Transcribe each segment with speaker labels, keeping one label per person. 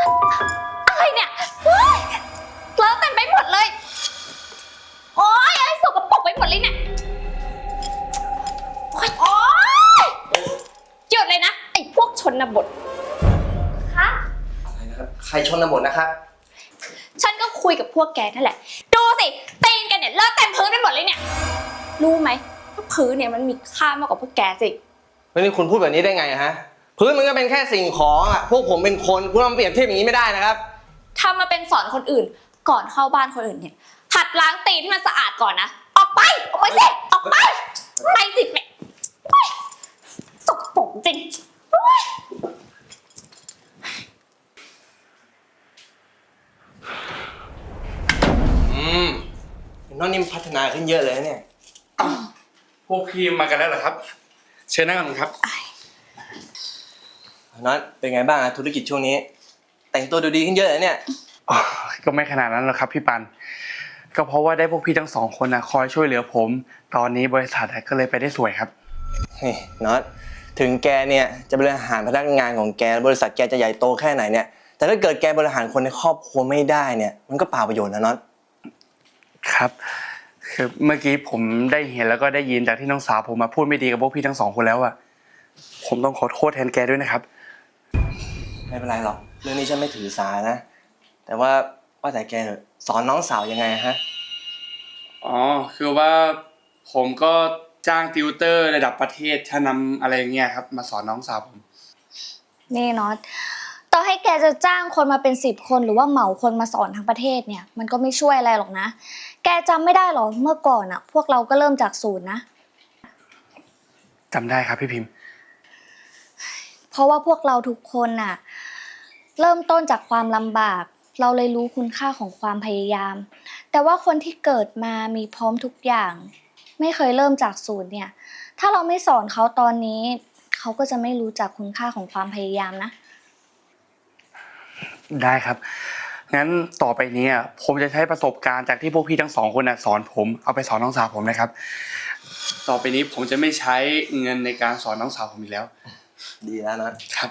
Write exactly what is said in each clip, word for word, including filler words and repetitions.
Speaker 1: อะไรเนี่ยเลอะเต็มไปหมดเลยโอ๊ยอะไรสกปรกไปหมดเลยเนี่ยโอ๊ยโอ๊ยหยุดเลยนะไอ้พวกชนบทคะ
Speaker 2: อะไรนะครับใครชนบทนะครับ
Speaker 1: ฉันก็คุยกับพวกแกนั่นแหละดูสิตีนแกเนี่ยเลอะเต็มพื้นไปหมดเลยเนี่ยรู้ไหมว่าพื้นเนี่ยมันมีค่ามากกว่าพวกแกสิ
Speaker 2: แล้วนี่คุณพูดแบบนี้ได้ไงฮะพื้นมันก็เป็นแค่สิ่งของอ่ะพวกผมเป็นคนคุณมาเปรียบเทียบอย่างนี้ไม่ได้นะครับ
Speaker 1: ทำมาเป็นสอนคนอื่นก่อนเข้าบ้านคนอื่นเนี่ยหัดล้างตีนให้มันสะอาดก่อนนะออกไปออกไปสิออกไปไปสิแม่สกปรกจริง
Speaker 2: อืมน้องนิ่มพัฒนาขึ้นเยอะเลยเนี่ย
Speaker 3: พวกพี่มากันแล้วเหรอครับเชิญนั่งกันครับ
Speaker 2: น้องเป็นไงบ้างธุรกิจช่วงนี้แต่งตัวดูดีขึ้นเยอะเลยเนี่ย
Speaker 3: ก็ไม่ขนาดนั้นหรอกครับพี่ปันก็เพราะว่าได้พวกพี่ทั้งสองคนนะคอยช่วยเหลือผมตอนนี้บริษัทก็เลยไปได้สวยครับ
Speaker 2: นี่น็อตถึงแกเนี่ยจะบริหารพนักงานของแกบริษัทแกจะใหญ่โตแค่ไหนเนี่ยแต่ถ้าเกิดแกบริหารคนในครอบครัวไม่ได้เนี่ยมันก็เปล่าประโยชน์นะน็อต
Speaker 3: ครับคือเมื่อกี้ผมได้เห็นแล้วก็ได้ยินจากที่น้องสาวผมมาพูดไม่ดีกับพวกพี่ทั้งสองคนแล้วอะผมต้องขอโทษแทนแกด้วยนะครับ
Speaker 2: ไม่เป็นไรหรอกเรื่องนี้ฉันไม่ถือสานะแต่ว่าว่าแต่แกสอนน้องสาวยังไงฮะ
Speaker 3: อ๋อคือว่าผมก็จ้างติวเตอร์ระดับประเทศชั้นนำอะไรเงี้ยครับมาสอนน้องสาวผม
Speaker 1: นี่น็อตต่อให้แกจะจ้างคนมาเป็นสิบคนหรือว่าเหมาคนมาสอนทั้งประเทศเนี่ยมันก็ไม่ช่วยอะไรหรอกนะแกจำไม่ได้หรอเมื่อก่อนอะพวกเราก็เริ่มจากศูนย์นะ
Speaker 3: จำได้ครับพี่พิมพ์
Speaker 1: เพราะว่าพวกเราทุกคนน่ะเริ่มต้นจากความลำบากเราเลยรู้คุณค่าของความพยายามแต่ว่าคนที่เกิดมามีพร้อมทุกอย่างไม่เคยเริ่มจากศูนย์เนี่ยถ้าเราไม่สอนเขาตอนนี้เขาก็จะไม่รู้จักคุณค่าของความพยายามนะ
Speaker 3: ได้ครับงั้นต่อไปนี้ผมจะใช้ประสบการณ์จากที่พวกพี่ทั้งสองคนน่ะสอนผมเอาไปสอนน้องสาวผมนะครับต่อไปนี้ผมจะไม่ใช้เงินในการสอนน้องสาวผมอีกแล้ว
Speaker 2: ดีแล้วนะครับ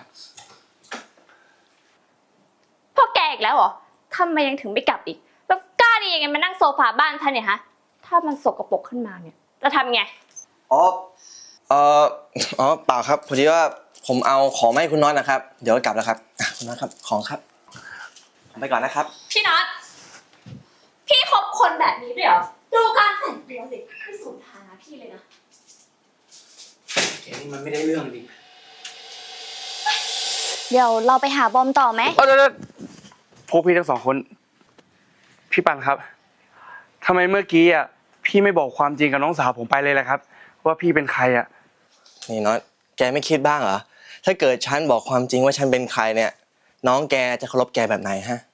Speaker 1: พวกแกอีกแล้วเหรอทำไมยังถึงไม่กลับอีกแล้วกล้าดียังไงมานั่งโซฟาบ้านฉันเนี่ยฮะถ้ามันสกปรกขึ้นมาเนี่ยจะทำไง
Speaker 2: อ๋อเอ่ออ๋อเปล่าครับพอดีว่าผมเอาของมาให้คุณน็อตนะครับเดี๋ยวกลับแล้วครับคุณน็อตครับของครับไปก่อนนะครับ
Speaker 1: พี่น็อตพี่คบคนแบบนี้ด้วยเหรอดูการแต่งตัวสิไม่สูญฐานะพี่เลยนะ
Speaker 3: แกนี่มันไม่ได้เรื่องจริง
Speaker 1: เดี๋ยวเราไปหาบอมต่อไหม
Speaker 3: เออพวกพี่ทั้งสองคนพี่ปันครับทำไมเมื่อกี้อ่ะพี่ไม่บอกความจริงกับน้องสาวผมไปเลยล่ะครับว่าพี่เป็นใครอ่ะ
Speaker 2: นี่น็อตแกไม่คิดบ้างเหรอถ้าเกิดฉันบอกความจริงว่าฉันเป็นใครเนี่ยน้องแกจะเคารพแกแบบไหนฮะ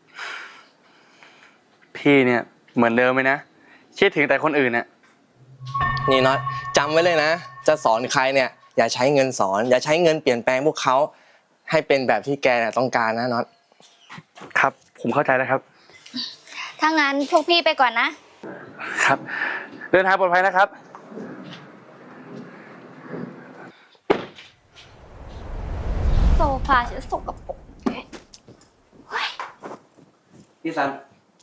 Speaker 3: พี่เนี่ยเหมือนเดิมไหมนะคิดถึงแต่คนอื่นน่ะ
Speaker 2: นี่น็อตจำไว้เลยนะจะสอนใครเนี่ยอย่าใช้เงินสอนอย่าใช้เงินเปลี่ยนแปลงพวกเขาให้เป็นแบบที่แกต้องการนะน็อต
Speaker 3: ครับผมเข้าใจแล้วครับ
Speaker 1: ถ้างั้นพวกพี่ไปก่อน
Speaker 3: นะครับเดินทางปลอดภัยนะครับ
Speaker 1: โซฟาฉันสกปรก
Speaker 3: พี่ซัน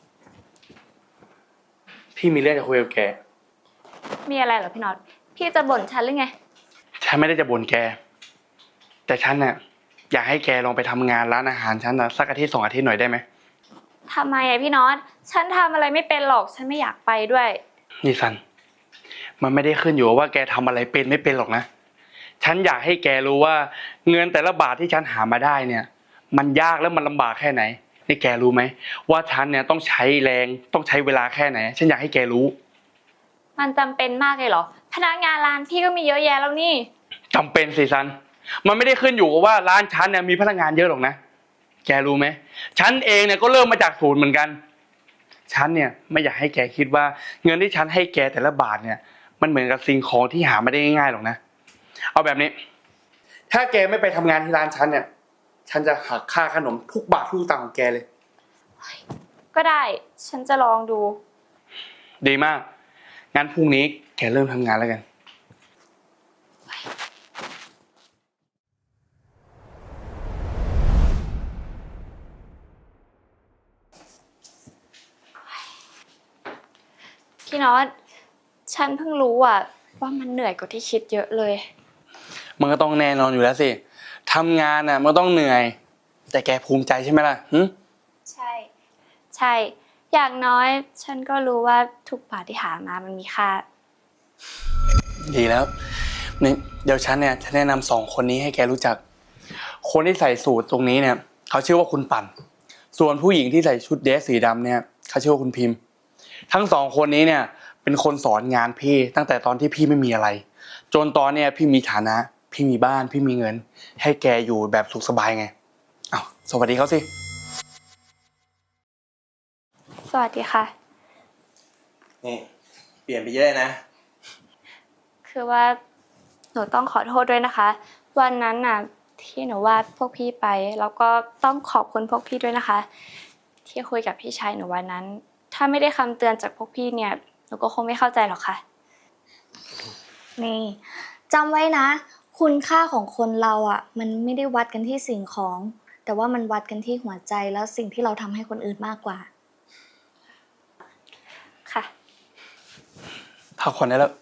Speaker 3: พี่มีเรื่องจะคุยกับแก
Speaker 1: มีอะไรเหรอพี่น็อตพี่จะบ่นฉันหรือไง
Speaker 3: ฉันไม่ได้จะบ่นแกแต่ฉันน่ะอยากให้แกลองไปทำงานร้านอาหารฉันนะสักอาทิตย์สองอาทิตย์หน่อยได้ไหม
Speaker 1: ทำไมอะพี่น็อตฉันทำอะไรไม่เป็นหรอกฉันไม่อยากไปด้วย
Speaker 3: นี่ซันมันไม่ได้ขึ้นอยู่ว่าแกทำอะไรเป็นไม่เป็นหรอกนะฉันอยากให้แกรู้ว่าเงินแต่ละบาทที่ฉันหามาได้เนี่ยมันยากแล้วมันลำบากแค่ไหนให้แกรู้ไหมว่าฉันเนี่ยต้องใช้แรงต้องใช้เวลาแค่ไหนฉันอยากให้แกรู้
Speaker 1: มันจำเป็นมากเลยเหรอพนักงานร้านพี่ก็มีเยอะแยะแล้วนี่
Speaker 3: จำเป็นสิซันมันไม่ได้ขึ้นอยู่กับว่าร้านฉันเนี่ยมีพนักงานเยอะหรอกนะแกรู้ไหมฉันเองเนี่ยก็เริ่มมาจากศูนย์เหมือนกันฉันเนี่ยไม่อยากให้แกคิดว่าเงินที่ฉันให้แกแต่ละบาทเนี่ยมันเหมือนกับสิ่งของที่หาไม่ได้ง่ายๆหรอกนะเอาแบบนี้ถ้าแกไม่ไปทำงานที่ร้านฉันเนี่ยฉันจะหักค่าขนมทุกบาททุกตังค์ของแกเลย
Speaker 1: ก็ได้ฉันจะลองดู
Speaker 3: ดีมากงั้นพรุ่งนี้แกเริ่มทำงานแล้วกัน
Speaker 4: พี่น็อตฉันเพิ่งรู้อ่ะว่ามันเหนื่อยกว่าที่คิดเยอะเลย
Speaker 3: มันก็ต้องแน่นอนอยู่แล้วสิทำงานน่ะมันก็ต้องเหนื่อย แต่แกภูมิใจใช่ไหมล่ะหึ
Speaker 4: ใช่ ใช่ อย่างน้อยฉันก็รู้ว่าทุกบาทที่หามามันมีค่า
Speaker 3: ดีแล้วนี่เดี๋ยวฉันเนี่ยจะแนะนำสองคนนี้ให้แกรู้จัก คนที่ใส่สูทตรงนี้เนี่ยเขาชื่อว่าคุณปั่น ส่วนผู้หญิงที่ใส่ชุดเดรสสีดำเนี่ยเขาชื่อว่าคุณพิมพ์ ทั้งสองคนนี้เนี่ยเป็นคนสอนงานพี่ตั้งแต่ตอนที่พี่ไม่มีอะไร จนตอนเนี่ยพี่มีฐานะ พี่มีบ้านพี่มีเงิน ให้แกอยู่แบบสุขสบายไงอ้าวสวัสดีเขาสิ
Speaker 4: สวัสดีค่ะ
Speaker 2: นี่เปลี่ยนไปเยอะเลยนะ
Speaker 4: คือว่าหนูต้องขอโทษด้วยนะคะ วันนั้นน่ะที่หนูวาดพวกพี่ไป แล้วก็ต้องขอบคุณพวกพี่ด้วยนะคะ ที่คุยกับพี่ชายหนูวันนั้น ถ้าไม่ได้คำเตือนจากพวกพี่เนี่ยหนูก็คงไม่เข้าใจหรอกค่ะ
Speaker 1: นี่จำไว้นะ คุณค่าของคนเราอ่ะ มันไม่ได้วัดกันที่สิ่งของ แต่ว่ามันวัดกันที่หัวใจแล้วสิ่งที่เราทำให้คนอื่นมากกว่า
Speaker 4: ค่ะ
Speaker 3: พักผ่อนได้แล้ว